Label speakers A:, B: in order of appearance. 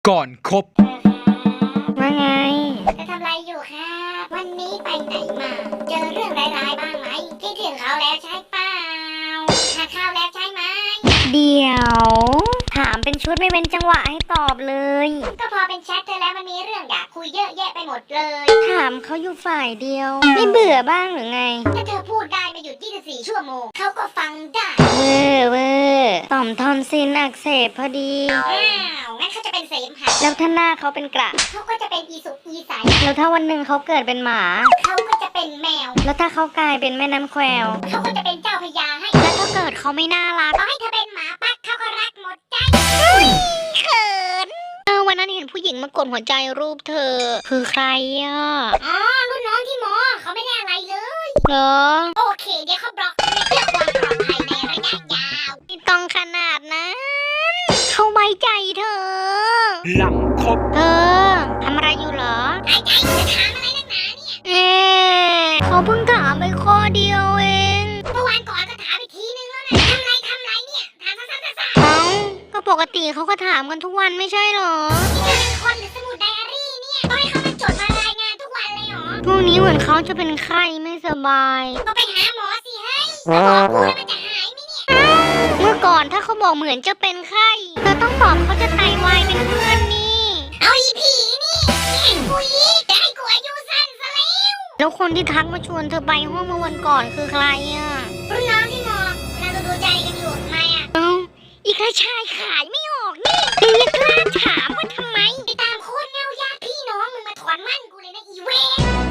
A: ก่อนคบ
B: ว่าไง
C: จะทำอะไรอยู่ครับวันนี้ไปไหนมา เจอเรื่องร้ายๆบ้างไหมคิดถึงเขาแล้วใช่เปล่าหาข้าวแล้วใช่ไหม
B: เดี๋ยวถามเป็นชุดไม่เป็นจังหวะให้ตอบเลย
C: ก็พอเป็นแชทเธอแล้วมันมีเรื่องอยากคุยเยอะแยะไปหมดเลย
B: ถามเขาอยู่ฝ่ายเดียวไม่เบื่อบ้างหรือไง
C: ถ้าเธอพูดได้ไม่หยุด24 ชั่วโมงเขาก็ฟังได้
B: เวอร์ต่อมทอนซิลอักเสบพอดี
C: งั้นเขาจะเป็นเสมหะ
B: แล้วถ้าหน้าเขาเป็นกระ
C: เขาก็จะเป็นอีสุกอีใส
B: แล้วถ้าวันหนึ่งเขาเกิดเป็นหมา
C: เขาก็จะเป็นแมว
B: แล้วถ้าเขากลายเป็นแม่น้ำแคว
C: เขาก็จะเป็นเจ้าพญาให้
B: แล้วถ้าเกิดเขาไม่น่ารัก
C: ต่อให้เธอเป็นหมาปักเขาก็รักหมดใจ
B: เขินวันนั้นเห็นผู้หญิงมากดหัวใจรูปเธอคือใครอ่ะ
C: รุ่นน้องที่มอเขาไม่ได้อะไรเลย
B: เหรอ
C: โอเคเดี๋ยวเขาบล็อกเพื่อความปลอดภัยในระยะยาว
B: ไม่ต้องขนาดนั้นเขาไว้ใจเธอ
A: หลังคบ
B: เธอทำอะไรอยู่เหรอ
C: ไอ้จะถามอะไรนักหนาเนี่ย
B: เขาเพิ่งถามไปข้อเดียวเอง
C: เมื่อวานก่อนก็ถามอีกทีนึงแล้วนะทำไรเนี่ยถามซ้ำๆ
B: เอ้าก็ปกติเขาก็ถามกันทุกวันไม่ใช่เหรอ
C: นี่เธอเป็นคนหรือสมุดไดอารี่เนี่ยต้องให้เขามาจดมารายงานทุกวันเลยเหรอ
B: พวกนี้เหมือนเขาจะเป็นไข้ไม่สบาย
C: ก็ไปหาหมอสิเฮ้ยถ้าบอกกูแล้วมันจะหายไหมเนี่ย
B: เมื่อก่อนถ้าเขาบอกเหมือนจะเป็นไข้เธอต้องตอบเขาจะไตวายเป็นเพื่อนนี่
C: เอาอีผีนี่เห็นกูอีกจะให้กูอายุสั้นซะ
B: แล้วคนที่ทักมาชวนเธอไปห้องเมื่อวันก่อนคือใครอ่ะ
C: รุ่นน้องที่มอเราดูใจกันอยู่ทำไมอ่ะ
B: อีกระชายขายไม่ออกนี่เธอยังกล้าถามว่าทำไม
C: ไปตามโคตรเงาญาติพี่น้องมึงมาถอนมั่นกูเลยนะอีเวน